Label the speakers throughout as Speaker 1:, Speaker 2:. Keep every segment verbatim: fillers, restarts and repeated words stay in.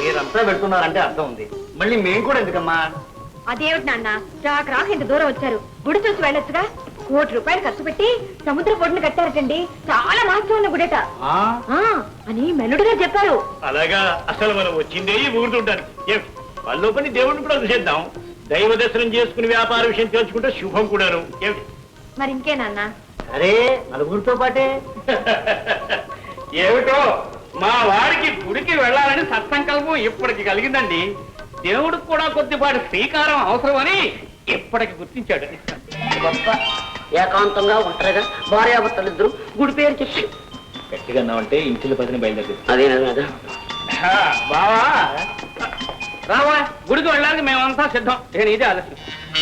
Speaker 1: మీరంతా పెడుతున్నారంటే అర్థం ఉంది, మళ్ళీ మేము కూడా ఎందుకమ్మా?
Speaker 2: అదేమిటి నాన్న, రాక రాక ఇంత దూరం వచ్చారు, గుడి చూసి వెళ్ళొచ్చుగా. కోటి రూపాయలు ఖర్చు పెట్టి సముద్ర పొడిని కట్టారటండి, చాలా మహత్వం ఉన్న గుడేట అని మెల్లుడిగా చెప్పారు.
Speaker 3: అలాగా? అసలు మనం వచ్చిందే ఊరుతుంటానికి, వాళ్ళ పని దేవుడిని కూడా చూసేద్దాం. దైవ దర్శనం చేసుకుని వ్యాపార విషయం తెలుసుకుంటే శుభం కూడాను. ఏమిటి
Speaker 2: మరి ఇంకే నాన్న?
Speaker 1: అరే నలుగురితో పాటే.
Speaker 3: ఏమిటో మా వాడికి గుడికి వెళ్ళాలని సత్సంకల్పం ఇప్పటికి కలిగిందండి. దేవుడికి కూడా కొద్దిపాటి శ్రీకారం అవసరమని ఇప్పటికి గుర్తించాడు.
Speaker 4: గొప్ప ఏకాంతంగా ఉంటారుగా భార్యాభర్తలు ఇద్దరు గుడి పేరు చెప్పి
Speaker 3: గట్టిగా అన్నామంటే ఇంటిలో పదిని బయలుదేరి.
Speaker 4: అదే కదా
Speaker 3: బావా రావా, గుడికి వెళ్ళడానికి మేమంతా సిద్ధం. నేను ఇదే ఆలస్యం.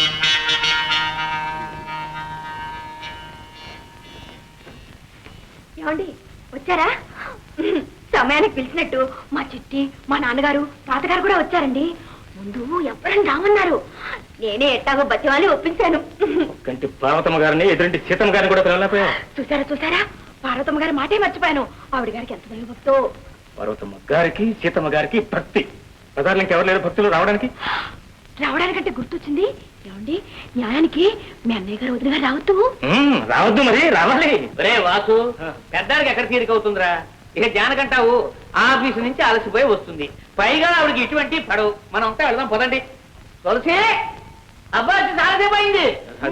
Speaker 2: ఏమండి వచ్చారా? సమయానికి పిలిచినట్టు మా చిట్టి, మా నాన్నగారు, తాతగారు కూడా వచ్చారండి. ముందు ఎప్పుడని రామన్నారు, నేనే ఎట్టాగో బతివాలి ఒప్పించాను.
Speaker 3: కంటి పార్వతమ్మ గారిని ఎదురింటి సీతమ్మ గారిని కూడా పిలవలేకపోయా.
Speaker 2: చూసారా చూసారా, పార్వతమ్మ గారి మాటే మర్చిపోయాను. ఆవిడ గారికి ఎంత భయం భక్తో.
Speaker 3: పార్వతమ్మ గారికి సీతమ్మ గారికి భక్తి. ప్రధాన ఇంకెవరు లేరు భక్తులు రావడానికి?
Speaker 2: రావడానికంటే గుర్తొచ్చింది. ఏమండి, న్యాయానికి మీ అన్నయ్య గారు వదిన గారు రావద్దు.
Speaker 3: రావద్దు మరి రావాలి.
Speaker 1: రే వాసు, పెద్దానికి ఎక్కడ తీరిక అవుతుందిరా? ఇక జానకంటావు ఆఫీసు నుంచి అలసిపోయి వస్తుంది, పైగా ఆవిడకి ఇటువంటి పడవు. మనం అంతా వెళ్దాం పదండి. తులసి అబ్బా చాలాసేపు అయింది.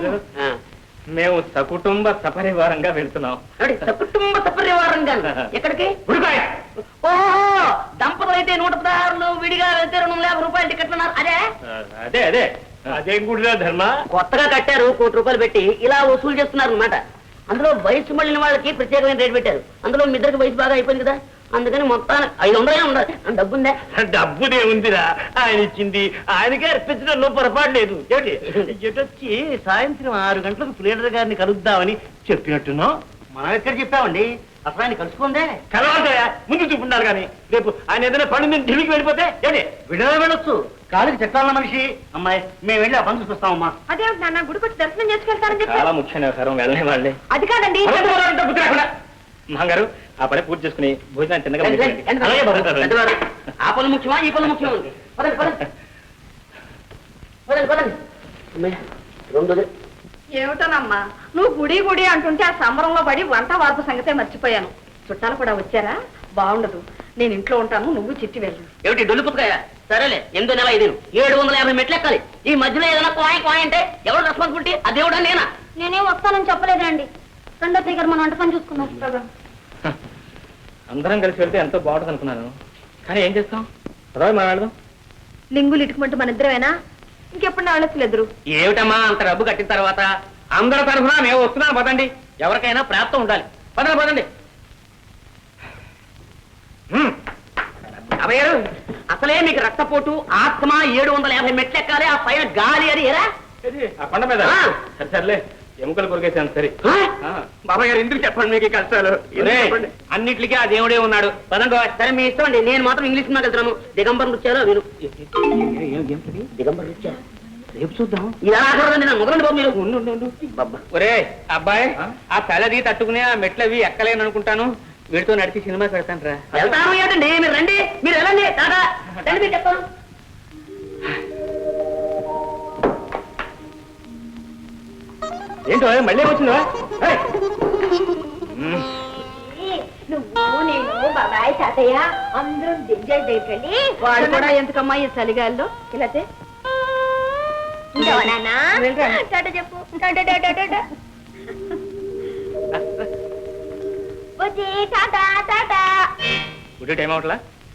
Speaker 3: మేము సకుటుంబ సపరివారంగా వెళ్తున్నాం.
Speaker 4: సకుటుంబ సపరివారంగా ఎక్కడికి?
Speaker 2: ఓహో, దంపతులు అయితే నూట పదహారులు, విడిగా వెళ్తే రెండు యాభై రూపాయలు టికెట్లు అన్నారు. అదే
Speaker 3: అదే అదే అదేం గుడిరా ధర్మ?
Speaker 4: కొత్తగా కట్టారు, కోటి రూపాయలు పెట్టి ఇలా వసూలు చేస్తున్నారు అనమాట. అందులో వయసు మళ్ళిన వాళ్ళకి ప్రత్యేకమైన రేటు పెట్టారు. అందులో మీ ఇద్దరికి వయసు బాగా అయిపోయింది కదా, అందుకని మొత్తానికి ఐదు వందలే ఉండాలి. డబ్బుందే?
Speaker 3: డబ్బుదే ఉందిరా, ఆయన ఇచ్చింది ఆయనకే అర్పించడంలో పొరపాటు లేదు. ఎటొచ్చి సాయంత్రం ఆరు గంటలకు ప్లేడర్ గారిని కలుద్దామని చెప్పినట్టున్నాం.
Speaker 1: మనం ఎక్కడ చెప్పామండి? అసలు ఆయన కలుసుకుందే.
Speaker 3: కలవాలయా, ముందు చూపుంటారు కానీ రేపు ఆయన ఏదైనా పని మీద ఢిల్లీకి వెళ్ళిపోతే ఏంటి
Speaker 1: విడుదల వెళ్ళొచ్చు. కాలికి చెట్టాలన్న మనిషి. అమ్మాయి మేము వెళ్ళి ఆ పని చూపిస్తామమ్మా.
Speaker 2: అదేమిటి నాన్న, గుడికి వచ్చి దర్శనం చేసుకెళ్తారని చెప్పి?
Speaker 3: చాలా ముఖ్యమైన వ్యవహారం, వెళ్ళని వాళ్ళే.
Speaker 2: అది కాదండి
Speaker 3: మహంగారు, ఆ పని పూర్తి చేసుకుని భోజనాన్ని తిన్నగా.
Speaker 4: ఆ పనులు ముఖ్యమా ఈ పనులు ముఖ్యమా? పదండి పదండి పదండి పదండి. రెండు
Speaker 2: ఏమిటోనమ్మా, నువ్వు గుడి గుడి అంటుంటే ఆ సంబరంలో పడి వంట వార్పు సంగతే మర్చిపోయాను. చుట్టాలు కూడా వచ్చారా? బాగుండదు, నేను ఇంట్లో ఉంటాను, నువ్వు చిట్టి వెళ్ళు.
Speaker 4: ఏమిటి డొల్లు పుట్టుకాయ? సరేలే, ఎనిమిది నెల ఐదు ఏడు వందల యాభై మెట్లు ఎక్కాలి. ఈ మధ్యలో ఏదైనా కోయ కోయ అంటే ఎవరు రెస్పాన్సిబిలిటీ? ఆ దేవుడా నేనా?
Speaker 2: నేనేం వస్తానని చెప్పలేదండి. రెండో దగ్గర మన వంట పని చూసుకున్నాం.
Speaker 3: అందరం కలిసి వెళ్తే ఎంతో బాగుంటుంది అనుకున్నాను, కానీ ఏం చేస్తాం? పదవి మనం వెళ్దాం.
Speaker 2: లింగులు ఇటుకుమంటూ మన ఇద్దరమేనా? ఇంకెప్పుడు నా వెళ్ళొచ్చులేదురు.
Speaker 1: ఏమిటమ్మా అంత డబ్బు కట్టిన తర్వాత అందరి తరఫున మేము వస్తున్నాం పదండి. ఎవరికైనా ప్రాప్తం ఉండాలి. పదండి పదండి.
Speaker 4: అభయారు, అసలే మీకు రక్తపోటు, ఆత్మ, ఏడు వందల యాభై మెట్లు ఎక్కాలి, ఆ పైన గాలి అది ఎరా
Speaker 3: ఆ కొండ మీద. సరే సర్లే, ఎముకలు కొరికేసాను. సరే
Speaker 1: బాబాయ్ గారు ఎందుకు చెప్పండి మీకు ఈ కష్టాలు? అన్నిటికీ ఆ దేవుడే ఉన్నాడు. పదండి.
Speaker 4: సరే మీ ఇష్టం అండి, నేను మాత్రం ఇంగ్లీష్ సినిమాకి వెళ్తున్నాను. దిగంబర్ నృత్యాలు విను. దిగంబర్ నృత్యాలు
Speaker 1: రేపు చూద్దాం.
Speaker 4: ఇలా చూడండి, నేను మొదలండి బాబు. మీరు
Speaker 1: ఒరే అబ్బాయి, ఆ తలది తట్టుకునే ఆ మెట్లవి ఎక్కలేను అనుకుంటాను. వీడితో నడిచి సినిమా పెడతాను రా.
Speaker 4: వెళ్తాను ఏంటండి, మీరు రండి, మీరు వెళ్ళండి. టాటా రండి, మీరు చెప్తాను.
Speaker 3: ఏంటో మళ్ళీ వచ్చిందా?
Speaker 2: నువ్వు నేను బాబాయ్ తాతయ్య అందరం దింజాయి దగ్గరికి వెళ్ళి వాడు కూడా ఎందుకమ్మా ఈ చలిగాల్లో ఇలా చెప్పు.
Speaker 3: గుడి టైం అవట్లా?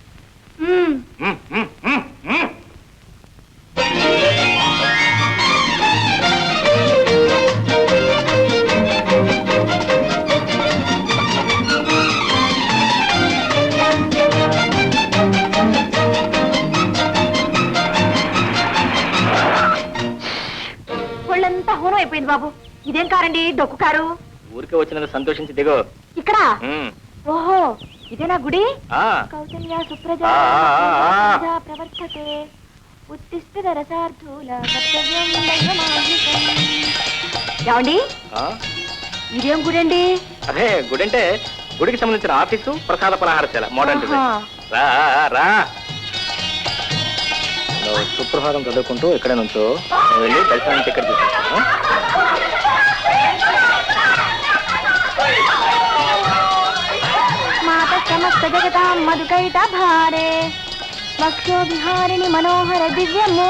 Speaker 2: ఒళ్ళంతా హోనం అయిపోయింది బాబు. ఇదేం కారండి, డొక్కు కారు.
Speaker 3: ఊరికే వచ్చినందుకు సంతోషించి దిగో.
Speaker 2: ఇక్కడ? ఓహో, ఇదేనా గుడి? కౌసల్య సుప్రజా ప్రవర్తతే ఉత్తిష్ఠిత రసార్థూల కర్తవ్యం దైవమాహికం. ఏమండి, ఇదేం గుడి అండి?
Speaker 3: అదే గుడి అంటే గుడికి సంబంధించిన ఆఫీసు, ప్రసాద పలహారశాల, మోడర్న్ డిజైన్. రా రా
Speaker 5: నువ్వు సుప్రభాతం చదువుకుంటూ ఇక్కడే నుంచో నేను వెళ్ళి దర్శనానికి టికెట్ తీసుకుంటాను.
Speaker 2: మాత సమస్త జగతాం మధుకైట భారే వక్షో విహారిణి మనోహర దివ్యము.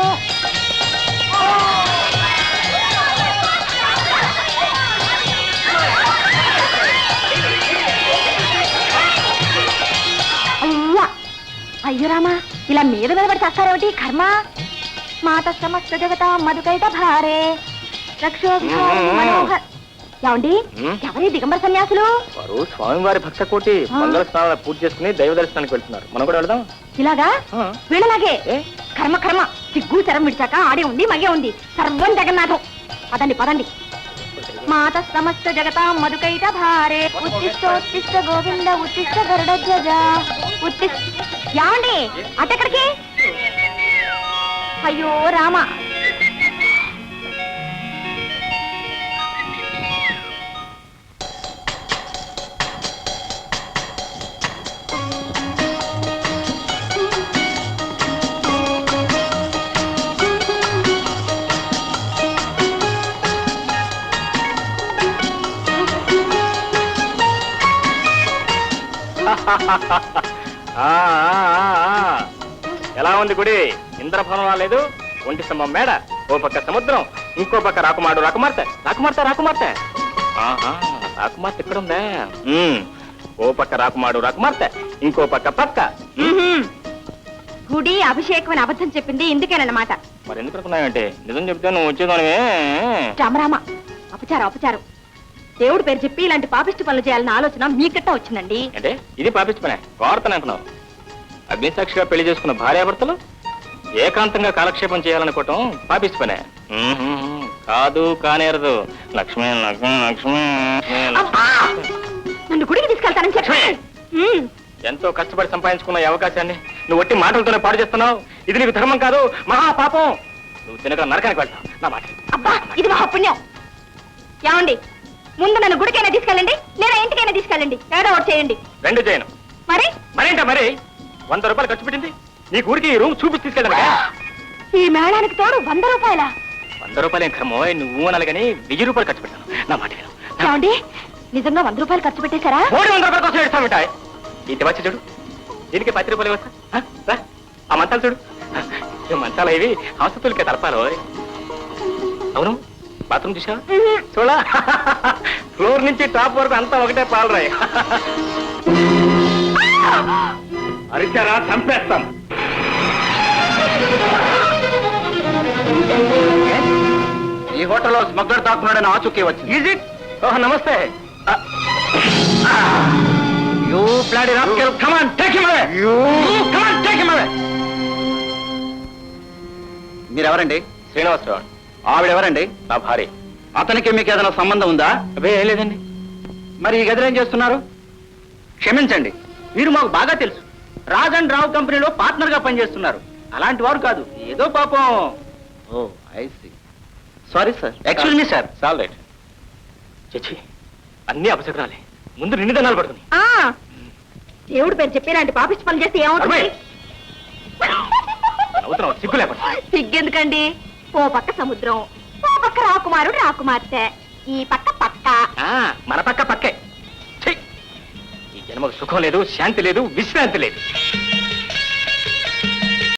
Speaker 2: అయ్యా అయ్యో రామా, ఇలా మీద మీద పడి చేస్తారేమిటి కర్మ. మాత సమస్త జగతాం మధుకైట భారే వక్షో విహారిణి మనోహర. ఏమండి ఎవరి దిగంబర సన్యాసులు?
Speaker 5: వారు స్వామివారి భక్త కోటి మంగళ స్నానాలు పూర్తి చేసుకుని దైవ దర్శనానికి వెళ్తున్నారు. మనం కూడా వెళ్దాం.
Speaker 2: ఇలాగా వీళ్ళలాగే
Speaker 5: ఏ?
Speaker 2: కర్మ కర్మ సిగ్గు శరం విడిచాక ఆడే ఉంది మగే ఉంది సర్వం జగన్నాథం. పదండి పదండి. మాత సమస్త జగతాం మధుకైట భారే ఉత్తిష్టోత్తిష్ట గోవింద ఉత్తిష్ట గరుడధ్వజ ఉత్తిష్ట. ఏమండి అటెక్కడికి? అయ్యో రామ.
Speaker 5: ఆ, ఆ, ఆ. ఎలా ఉంది గుడి? ఇంద్రభవనం రాలేదు, ఒంటి స్తంభం మేడ, ఓ పక్క సముద్రం, ఇంకో పక్క రాకుమాడు రాకుమార్తె రాకుమార్తె రాకుమార్తె ఆహా, రాకుమార్తె ఇక్కడ ఉందా? ఉమ్, ఓ పక్క రాకుమాడు రాకుమార్తె, ఇంకో పక్క పక్క.
Speaker 2: గుడి అభిషేకం అని అబద్ధం చెప్పింది ఇందుకేనన్నమాట.
Speaker 5: మరి ఎందుకు అనుకున్నావంటే? నిజం చెప్తే నువ్వు వచ్చేదానివే.
Speaker 2: రామరామ, అపచారం అపచారం. దేవుడి పేరు చెప్పి ఇలాంటి పాపిష్టి పనులు చేయాలన్న ఆలోచన మీకట్టా వచ్చిందండి.
Speaker 5: అంటే ఇది పాపించి పనే కోరతను అనుకున్నావు. అగ్నిసాక్షిగా పెళ్లి చేసుకున్న భార్యాభర్తలు ఏకాంతంగా కాలక్షేపం చేయాలనుకోవటం పాపిష్టి పనే. ఉహుం, కాదు కానేరదు. లక్ష్మి లక్ష్మి లక్ష్మి
Speaker 2: అబ్బా! నన్ను గుడికి తీసుకెళ్తానని చెప్పి ఉమ్.
Speaker 5: ఎంతో కష్టపడి సంపాదించుకున్న ఈ అవకాశాన్ని నువ్వు ఒట్టి మాటలతోనే పాడు చేస్తున్నావు. ఇది నీకు ధర్మం కాదు, మహాపాపం. నువ్వు తినక నరకానికి వెళ్తావు. నా మాట
Speaker 2: అబ్బా, ఇది మహాపుణ్యం. ఏమండి, ముందు నన్ను గుడికైనా తీసుకెళ్ళండి, లేదా ఇంటికైనా తీసుకెళ్ళండి. ఏదో ఒకటి చేయండి.
Speaker 5: రెండు చేయను.
Speaker 2: మరి
Speaker 5: మరేంటా మరి? వంద రూపాయలు ఖర్చు పెట్టింది నీ ఊరికి ఈ రూమ్ చూపించి తీసుకెళ్ళాను.
Speaker 2: ఈ మేళానికి తోడు వంద రూపాయల.
Speaker 5: వంద రూపాయలు ఏం క్రమో, నువ్వు అనాలి కానీ వెయ్యి రూపాయలు ఖర్చు పెట్టాను. నా మాట విను.
Speaker 2: ఏమండి, నిజంగా వంద రూపాయలు ఖర్చు పెట్టేశారా?
Speaker 5: మూడు వందల రూపాయల కోసం ఏడుస్తామిటాయి. ఇది వచ్చి చూడు, దీనికి పది రూపాయలు వస్తా. ఆ మంచాలు చూడు, ఈ మంచాలు ఇవి ఆసుపత్రులకే తలపాలో. అవును, బాత్రూమ్ చూసా చూడా? ఫ్లోర్ నుంచి టాప్ వరకు అంతా ఒకటే పాలరాయి. అరిచారా చంపేస్తాం. ఈ హోటల్లో స్మగ్లర్ దాక్కున్నాడని ఆచూకీ వచ్చింది. Is it? ఓహ్, నమస్తే. You bloody rascal, come on take him away. You come on take him away. మీరెవరండి? శ్రీనివాసరావు. ఆవిడెవరండి? నా భార్య. అతనికి మీకు ఏదైనా సంబంధం ఉందా? అదే ఏం లేదండి. మరి ఈ గదిలో ఏం చేస్తున్నారు? క్షమించండి, మీరు మాకు బాగా తెలుసు. రాజ్ అండ్ రావు కంపెనీలో పార్ట్నర్ గా పనిచేస్తున్నారు. అలాంటి వారు కాదు, ఏదో పాపం. Oh I see. Sorry sir. Excuse me sir. All right. చచ్చి, అన్ని అపశకునాలే. ముందు నిన్ను దన్నాలు పడుతుంది.
Speaker 2: ఆ, దేవుడి పేరు చెప్పి ఇలాంటి పాపిష్టి పనులు చేస్తే ఏమవుతుంది?
Speaker 5: అవుతున్నావు, సిగ్గు లేకుండా.
Speaker 2: సిగ్గెందుకండి? ఓ పక్క సముద్రం, ఓ పక్క రాకుమారుడు రాకుమార్తె, ఈ పక్క పక్క.
Speaker 5: ఆ, మన పక్క పక్కే. ఛీ! ఈ జన్మకు సుఖం లేదు, శాంతి లేదు, విశ్రాంతి లేదు.